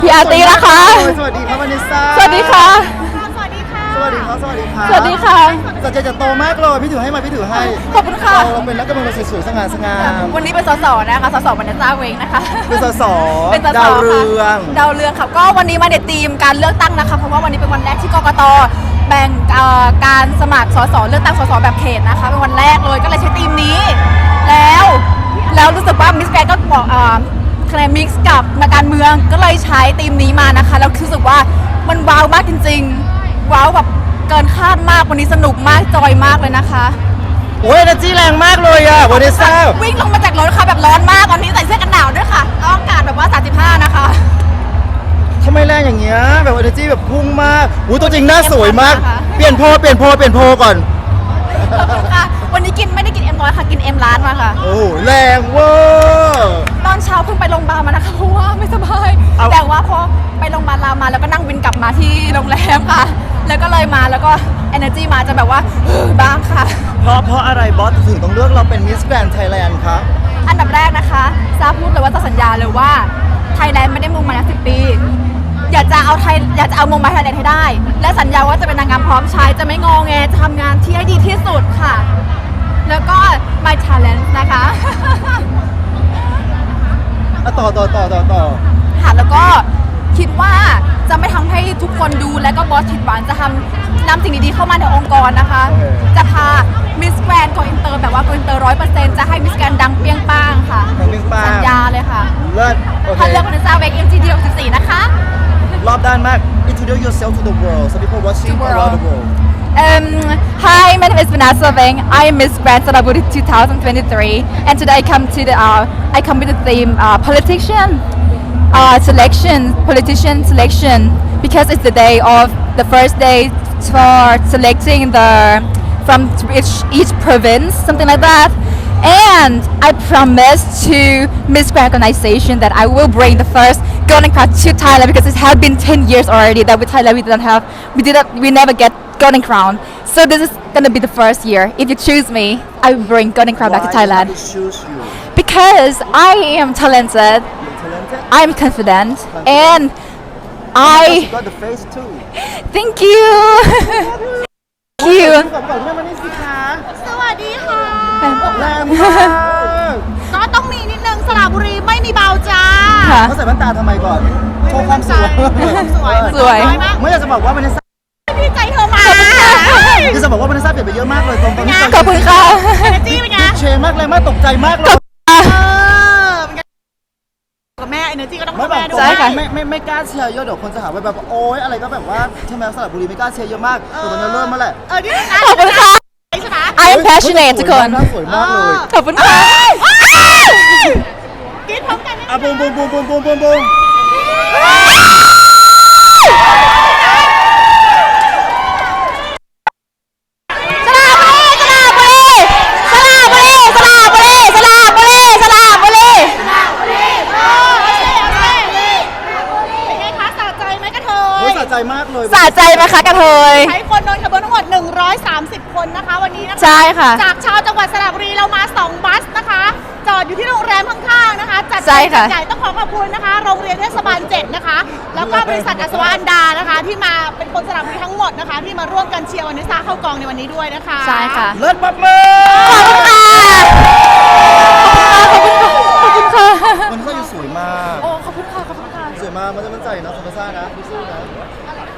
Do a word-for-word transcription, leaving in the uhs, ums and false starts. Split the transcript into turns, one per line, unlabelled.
พี่อาร์ตีนะคะ
สวัสดีครับวานิสซ่า
สวัสดีค่ะ
สวัสดีค่ะ
สวัสดีครับสวัสดีครับ
สวัสดีค่ะ
สัจจะจะโตมากเลยพี่ถือให้มาพี่ถือให้
ขอบคุณค่ะ
เราเราเป็นนักการเมืองสวยๆสง่าสง่า
วันนี้เป็นสสนะคะสสบรรณาเจ้าเองนะคะ
เป็นสส
เป็นสส
ดาวเรื
ค่ะ
อง
ดาวเรืองค่ะก็วันนี้มาในธีมการเลือกตั้งนะคะเพราะว่าวันนี้เป็นวันแรกที่กกตแบ่งเอ่อการสมัครสสเลือกตั้งสสแบบเขตนะคะเป็นวันแรกเลยก็เลยใช้ธีมนี้ แล้วแล้วรู้สึกว่ามิสแกรนก็บอกอ่าคะแนนมิกซ์กับนักการเมืองก็เลยใช้ธีมนี้มานะคะแล้วรู้สึกว่ามันว้าวมากจริงๆว้าวแบบเกินคาดมากวันนี้สนุกมากจอยมากเลยนะคะ
โอ้ยเอเนอร์จีแรงมากเลยอะวานิสซ่า
วิ่งลงมาจากรถค่ะแบบร้อนมากตอนนี้ใส่เสื้อกันหนาวด้วยค่ะแล้วอากาศแบบว่าสามสิบห้านะคะ
ทำไมแรงอย่างเงี้ยแบบเอเนอร์จีแบบพุ่งมากอู้ตัวจริงหน้าสวยมาก
ค่ะ
เปลี่ยนโพลเปลี่ยนโพลเปลี่ยนโพลก่อน
ขอบคุณค่ะวันนี้กินไม่ได้กินเอ็มร้อยค่ะกินเอ็มร้านมาค่ะ
โอ้โหแรงเวอร์
ตอนเช้าเพิ่งไปโรงพยาบาลมานะคะเพราะว่าไม่สบาย
เอา
แต่ว่าพอไปโรงพยาบาลรามาแล้วก็นั่งวินกลับมาที่โรงแรมค่ะ แล้วก็เลยมาแล้วก็ energy มาจะแบบว่า บ้างค่ะ
เพราะเพราะอะไรบอสถึงต้องเลือกเราเป็นมิสแกรนด์ไทยแลนด์คะ
อันดับแรกนะคะซาพูดเลยว่าจะสัญญาเลยว่าไทยแลนด์ไม่ได้มงมาแล้วสิบปี อยากจะเอาไทยอยากจะเอามงมาไทยแลนด์ให้ได้ และสัญญาว่าจะเป็นนางงามพร้อมใช้จะไม่งอแงจะทำงานที่ให้ดีที่สุดค่ะ แล้วก็ my talent นะคะ
อ่ะต่อต่อต่อต่อต่อ
ค่ะแล้วก็คิดว่าจะไม่ทำให้ทุกคนดูและก็บอสผิดหวังจะทำนำสิ่งดีๆเข้ามาในองค์กรนะคะ จะพามิสแกรนด์โกอินเตอร์แบบว่าโกอินเตอร์ร้อยเปอร์เซ็นต์จะให้มิสแกรนด์ดังเปรี้ยงป้างค่ะ
ดังเปรี้ยงป้าง
สัญญาเลยค่ะ
เลิศโอเค
ถ้าเลือกวันนี้ซาเวก เอ็ม จี ดี หกสิบสี่นะคะ
รอบด้านมาก introduce yourself to the world so people watching
The
around
world.
the world
Um, hi, my name is Vanessa Veng. I am Miss Grand Saraburi twenty twenty-three, and today I come to the uh, I come with the theme uh, politician uh, selection, politician selection, because it's the day of the first day for selecting the from each each province, something like that. And I promise to Miss Grand Organization that I will bring the first Golden Crown to Thailand because it has been ten years already that with Thailand we didn't have we didn't we never get Golden Crown. So this is gonna be the first year. If you choose me, I will bring Golden Crown back to
Why
Thailand
did they choose you
because I am talented,
you're talented
I'm confident, and I
you got the face too
thank you. Thank you.
ก่อนก่อนเรื่องมันนี่สิคะ
สวัสดีค่ะ
แรงมาก
ก็ต้องมีนิดนึงสระบุรีไม่มีเบาจ้า
ค่ะ
เขาใส่แว่นตาทำไมก่อนโชว์ความสวย
สวย
สวย
น้อยมาก
ไม่อยากจะบอกว่าวันนี้ซ่า
พี่ใจเธอมา
อยากจะบอกว่าวันนี้ซ่าเปลี่ยนไปเยอะมากเลยตรงตรงนี้
ขอบคุณค่ะ
เอเนจีเป็นไง
เชมากเลยมากตกใจมากเลย
เออเป็นไงกับแม่เอเนจีก็ต้อง
ไม่
กับ
แบบ
แม่ด้ว
ใช่
ย
ค่ะ
ไม่ไม่ไม่กล้าเชียร์เยอะเดี๋ยวคนจะหาว่าแบบโอ๊ยอะไรก็แบบว่าใช่ไหมสระบุรีไม่กล้าเชียร์เยอะมากแต่ตอนนี้เริ่มมาแหละ
เออนี่นะ
ขอบคุณค่ะ
ใช่ไหม
I am passionate ทุกคน
สวยมากเลย
ขอบคุณค่ะ
กินพร้อมกันนะ
อ่ะบูมบูมบูมบูมบูมบูมบูม
เป็นไงคะสะใจไหมกระเท
โอ้ย
ย
สะใจมากเลย
สะใจไหมคะกระเทย
ใช้คนโดนขบวนทั้งหมดหนึ่งร้อยสามสิบคนนะคะวันนี้นะคะ
ใช่ค่ะ
จากชาวจังหวัดสระบุรีเรามาสองบัสนะคะ จอดอยู่ที่โรงแรมข้างๆนะคะ จัด
ใช่ค่ะ
จัดใหญ่ต้องขอขอบคุณนะคะ โรงเรียนเทศบาลเจ็ดนะคะ แล้วก็บริษัทอัศวะอันดานะคะ ที่มาเป็นคนสระบุรีทั้งหมดนะคะ ที่มาร่วมกันเชียร์วันนิสาเข้ากองในวันนี้ด้วยนะคะ
ใช่ค่ะ
เลิศมากเลย
ขอบคุณค่ะ ขอบคุณค่ะ
มันก็ยังสวยมาก
โอ้ ขอบคุณค่ะ ขอบคุณค่ะ
สวยมากมันจะมั่นใจนะสมรสานะดูสู้นะ